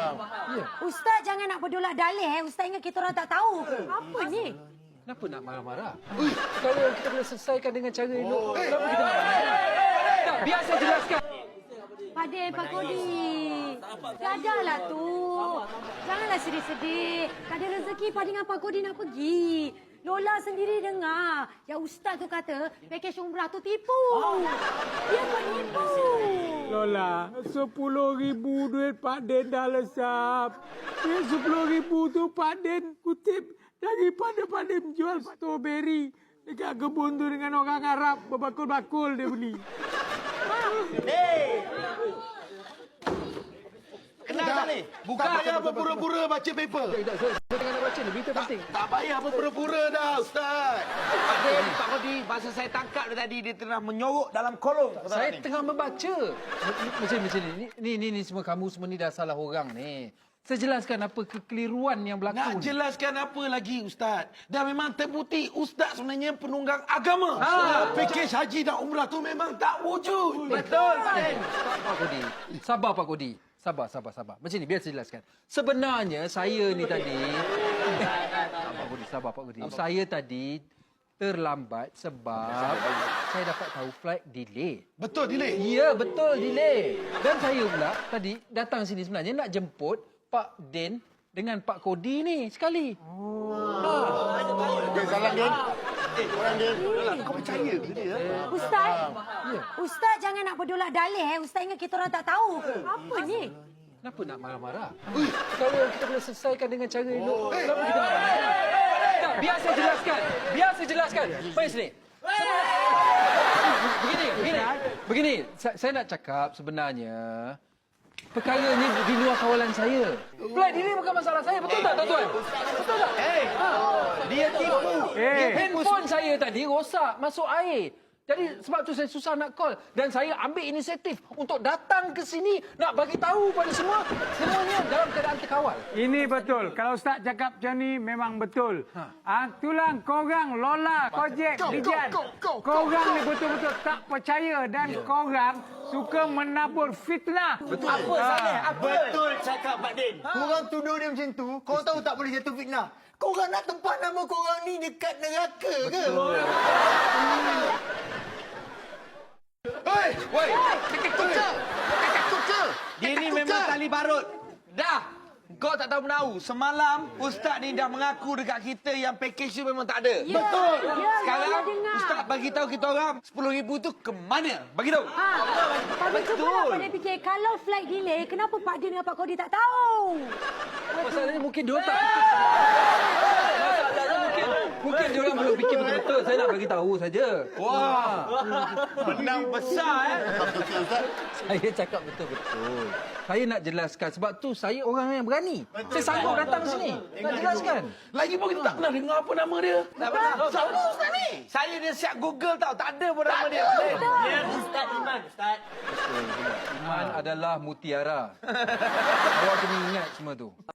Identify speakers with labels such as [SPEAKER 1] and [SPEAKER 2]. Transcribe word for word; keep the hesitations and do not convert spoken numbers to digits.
[SPEAKER 1] Ya.
[SPEAKER 2] Ustaz jangan nak berdolak dalih. Eh. Ustaz ingat kita orang tak tahu ke? Apa ni?
[SPEAKER 1] Kenapa nak marah-marah? Kalau kita boleh selesaikan dengan cara elok, kenapa kita nak marah? Tak, biar saya jelaskan.
[SPEAKER 2] Pade, Pak Kodi. Gadahlah tu. Janganlah sedih-sedih. Tak ada rezeki Pak dengan Pak Kodi nak pergi. Lola sendiri dengar. Yang Ustaz tu kata, pakej umrah tu tipu. Dia penipu.
[SPEAKER 3] Lola, sepuluh ribu duit Pak Den dah lesap. Duit sepuluh ribu tu Pak Den kutip daripada Pak Den jual strawberry dekat kebun tu dengan orang Arab. Berbakul-bakul dia beli.
[SPEAKER 4] Hei! Kenal tak ni?
[SPEAKER 5] Bukan tak payah berpura-pura baca paper.
[SPEAKER 1] Tak, tak, saya, saya tengah nak baca ni, berita
[SPEAKER 5] Tak,
[SPEAKER 1] penting.
[SPEAKER 5] tak payah berpura-pura dah, Ustaz.
[SPEAKER 4] Pak Din, Pak Kodi, masa saya tangkap dia tadi, dia tengah menyorok dalam kolong.
[SPEAKER 1] Saya tengah membaca. Macam macam ni. Ni ni ni semua kamu semua ni dah salah orang ni. Saya jelaskan apa kekeliruan yang berlaku.
[SPEAKER 5] Nak jelaskan apa lagi, Ustaz? Dah memang terbukti Ustaz sebenarnya penunggang agama.
[SPEAKER 1] Ha.
[SPEAKER 5] Pakej haji dan umrah tu memang tak wujud.
[SPEAKER 4] Betul, Pak Din.
[SPEAKER 1] Pak Kodi. Sabar Pak Kodi. Sabar, sabar, sabar. Macam ni, biar saya jelaskan. Sebenarnya saya ni tadi... Sabar Pak Kodi, sabar Pak Kodi. Saya tadi terlambat sebab saya dapat tahu flight delay.
[SPEAKER 5] Betul, delay.
[SPEAKER 1] Ya, betul delay. Dan saya pula tadi datang sini sebenarnya nak jemput Pak Den dengan Pak Kodi ni sekali. Oh. Ha.
[SPEAKER 5] Okay, salam, Din. Eh, orang Din. Kau percaya ke dia?
[SPEAKER 2] Ustaz,
[SPEAKER 1] Ya.
[SPEAKER 2] Ustaz jangan nak berdolak dalih. Eh. Ustaz ingat kita orang tak tahu ke? Apa ni?
[SPEAKER 1] Kenapa nak marah-marah? Kalau kita boleh selesaikan dengan cara elok, kenapa kita nak marah? Tak, biar saya jelaskan. Biar saya jelaskan. Mari sini. Begini, begini. Begini, saya, saya nak cakap sebenarnya perkara ni di luar kawalan saya. Flight delay bukan masalah saya, betul tak tuan-tuan? Betul tak?
[SPEAKER 4] Hei, dia tipu.
[SPEAKER 1] Dia handphone saya tadi rosak, masuk air. Jadi sebab tu saya susah nak call dan saya ambil inisiatif untuk datang ke sini nak bagi tahu pada semua semuanya dalam keadaan terkawal.
[SPEAKER 3] Ini betul. Kalau Ustaz cakap macam ni memang betul. Ha. Ah, itulah korang Lola, Kojek, Dijan. Korang ni betul-betul tak percaya dan korang suka menabur fitnah.
[SPEAKER 4] Betul. Apa salah? Apa?
[SPEAKER 6] Betul cakap Pak Din. Korang tuduh dia macam tu, korang tahu tak boleh jatuh fitnah. Korang nak tempat nama korang ni dekat neraka ke?
[SPEAKER 5] Hei!
[SPEAKER 4] Woi,
[SPEAKER 5] Kakak kuka! Kakak kuka!
[SPEAKER 4] dia ni memang tali barut. Dah. Kau tak tahu menahu. Semalam, Ustaz ni dah mengaku dekat kita yang pakej tu memang tak ada.
[SPEAKER 2] Ya,
[SPEAKER 4] Betul.
[SPEAKER 2] ya,
[SPEAKER 4] Sekarang,
[SPEAKER 2] Lola dengar.
[SPEAKER 4] Ustaz bagi tahu kita orang sepuluh ribu tu ke mana? Bagi tahu.
[SPEAKER 2] Ha, Pak Din cuba lah Pak Din fikir. Kalau flight delay, kenapa Pak Din dengan Pak Kodi tak tahu?
[SPEAKER 1] Masalahnya mungkin dia tak. Masalahnya mungkin mungkin dia orang belum fikir betul-betul. Saya nak bagi tahu saja.
[SPEAKER 4] Wah. Menang besar eh.
[SPEAKER 1] Saya cakap betul-betul. Saya nak jelaskan sebab tu saya orang yang berani. Saya sanggup datang sini. Nak jelaskan.
[SPEAKER 5] Lagi pun kita tak pernah dengar apa nama dia.
[SPEAKER 4] Tak pernah.
[SPEAKER 5] Siapa Ustaz ni?
[SPEAKER 4] Saya dia siap Google tau. Tak ada pun nama dia.
[SPEAKER 6] Ya, Ustaz Iman, Ustaz.
[SPEAKER 1] Iman adalah mutiara. Awak kena ingat semua tu.